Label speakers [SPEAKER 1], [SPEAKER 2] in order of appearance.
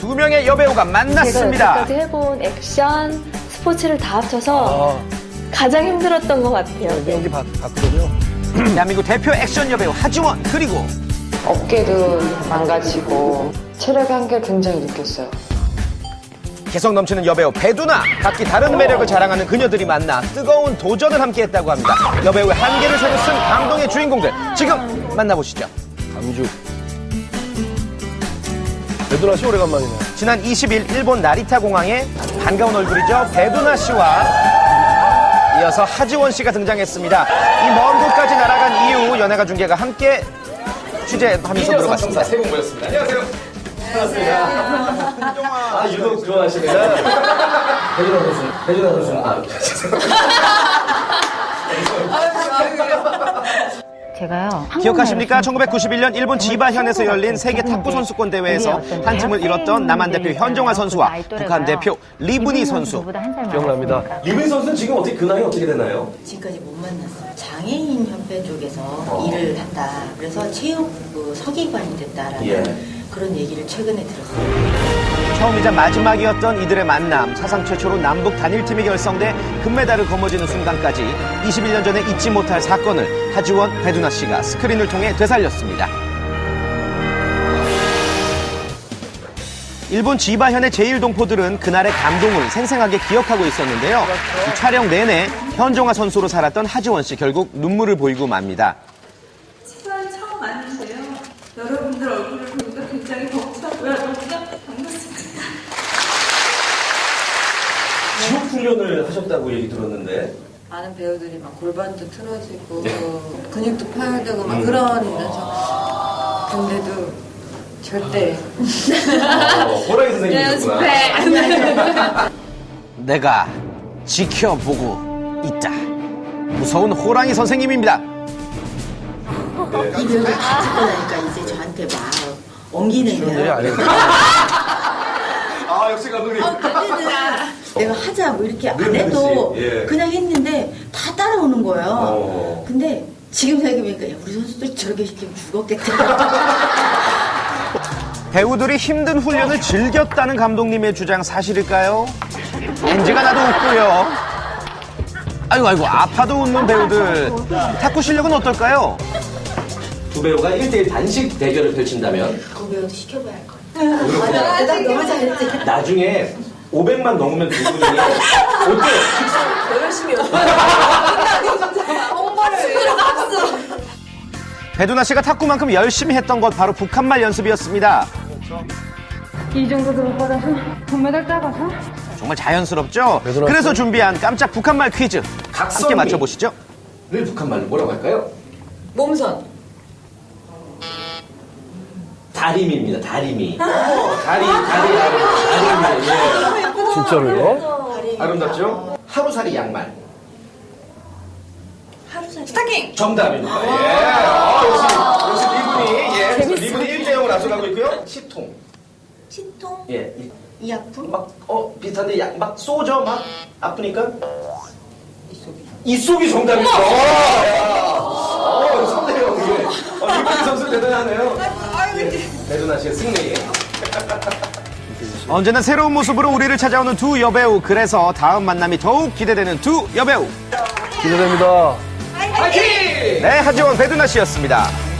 [SPEAKER 1] 두 명의 여배우가 만났습니다.
[SPEAKER 2] 제가 여태까지 해본 액션, 스포츠를 다 합쳐서 가장 힘들었던 것 같아요.
[SPEAKER 3] 연기 봤거든요.
[SPEAKER 1] 대한민국 대표 액션 여배우 하지원, 그리고
[SPEAKER 4] 어깨도 망가지고 체력의 한계를 굉장히 느꼈어요.
[SPEAKER 1] 개성 넘치는 여배우 배두나, 각기 다른 매력을 자랑하는 그녀들이 만나 뜨거운 도전을 함께했다고 합니다. 여배우의 한계를 새로 쓴 감동의 주인공들, 지금 만나보시죠.
[SPEAKER 3] 감죽. 배두나 씨 오래간만이네.
[SPEAKER 1] 지난 20일 일본 나리타 공항에 반가운 얼굴이죠. 배두나 씨와 이어서 하지원 씨가 등장했습니다. 이 먼 곳까지 날아간 이후 연예가 중계가 함께 취재하면서 들어갔습니다. 세 분 모였습니다. 안녕하세요.
[SPEAKER 3] 아, 유독 좋아하시네요. 배두나 선수는.
[SPEAKER 2] 제가요.
[SPEAKER 1] 기억하십니까? 1991년 일본 지바현에서 열린 세계 탁구 선수권 대회에서 한 층을 잃었던 남한 대표 현종화 선수와 북한 대표 리브니 선수.
[SPEAKER 3] 기억납니다.
[SPEAKER 5] 리브니 선수는 지금 어떻게 그 나이 어떻게 되나요?
[SPEAKER 6] 지금까지 못 만났어요. 장애인 협회 쪽에서 일을 한다. 그래서 체육 서기관이 됐다라는 그런 얘기를 최근에 들었어요.
[SPEAKER 1] 처음이자 마지막이었던 이들의 만남, 사상 최초로 남북 단일팀이 결성돼 금메달을 거머쥐는 순간까지 21년 전에 잊지 못할 사건을 하지원, 배두나 씨가 스크린을 통해 되살렸습니다. 일본 지바현의 제1동포들은 그날의 감동을 생생하게 기억하고 있었는데요. 이 촬영 내내 현종화 선수로 살았던 하지원 씨 결국 눈물을 보이고 맙니다.
[SPEAKER 7] 치사를 처음 왔는데요. 여러분들 얼굴을 보니까 굉장히 벅차고요. 너무 반갑습니다.
[SPEAKER 5] 지옥 훈련을 하셨다고 얘기 들었는데.
[SPEAKER 4] 많은 배우들이 막 골반도 틀어지고 근육도 파열되고 막 그러면서 근데도 절대
[SPEAKER 5] 호랑이 선생님이셨구나.
[SPEAKER 1] 내가 지켜보고 있다. 무서운 호랑이 선생님입니다.
[SPEAKER 6] 이 벽을 다 찍고 나니까 이제 저한테 막 옮기는 거예요.
[SPEAKER 5] 아, 역시 감독님.
[SPEAKER 6] 내가 하자 뭐 이렇게 안 해도 그냥 했는데 다 따라오는 거예요. 근데 지금 생각해보니까 야, 우리 선수들 저렇게 시키면 죽었겠다.
[SPEAKER 1] 배우들이 힘든 훈련을 즐겼다는 감독님의 주장 사실일까요? NG가 나도 웃고요. 아이고 아파도 웃는 배우들. 탁구 실력은 어떨까요?
[SPEAKER 5] 두 배우가 1대1 단식 대결을 펼친다면
[SPEAKER 6] 그 배우도 시켜봐야 할 거예요. 맞아, 대답 너무 잘했지.
[SPEAKER 5] 나중에 500만 넘으면 두 분이 어때요?
[SPEAKER 4] 더 열심히
[SPEAKER 1] 배두나 씨가 탁구만큼 열심히 했던 것 바로 북한말 연습이었습니다.
[SPEAKER 7] 이 정도도 못 받아서 금메달 따가서
[SPEAKER 1] 정말 자연스럽죠?
[SPEAKER 3] 배두나
[SPEAKER 1] 그래서
[SPEAKER 3] 씨.
[SPEAKER 1] 준비한 깜짝 북한말 퀴즈 함께
[SPEAKER 5] 각선미.
[SPEAKER 1] 맞춰보시죠.
[SPEAKER 5] 늘 북한말로 뭐라고 할까요?
[SPEAKER 4] 몸선
[SPEAKER 5] 다리미입니다. 다리미. 다리. 예.
[SPEAKER 3] 진짜로요?
[SPEAKER 5] 아름답죠? 하루살이 양말.
[SPEAKER 7] 스타킹!
[SPEAKER 5] 정답입니다. 역시 리분이, 그래서 리분이 1대0을 앞서가고 있고요. 시통.
[SPEAKER 6] 치통?
[SPEAKER 5] 예.
[SPEAKER 6] 이 아픔?
[SPEAKER 5] 비슷한데, 막 쏘죠? 막 아프니까? 이속이 정답입니다. 선대요, 이게. 리분이 선수 대단하네요. 배두나 씨의 승리.
[SPEAKER 1] 언제나 새로운 모습으로 우리를 찾아오는 두 여배우. 그래서 다음 만남이 더욱 기대되는 두 여배우.
[SPEAKER 3] 기대됩니다.
[SPEAKER 1] 네, 하지원, 배두나 씨였습니다.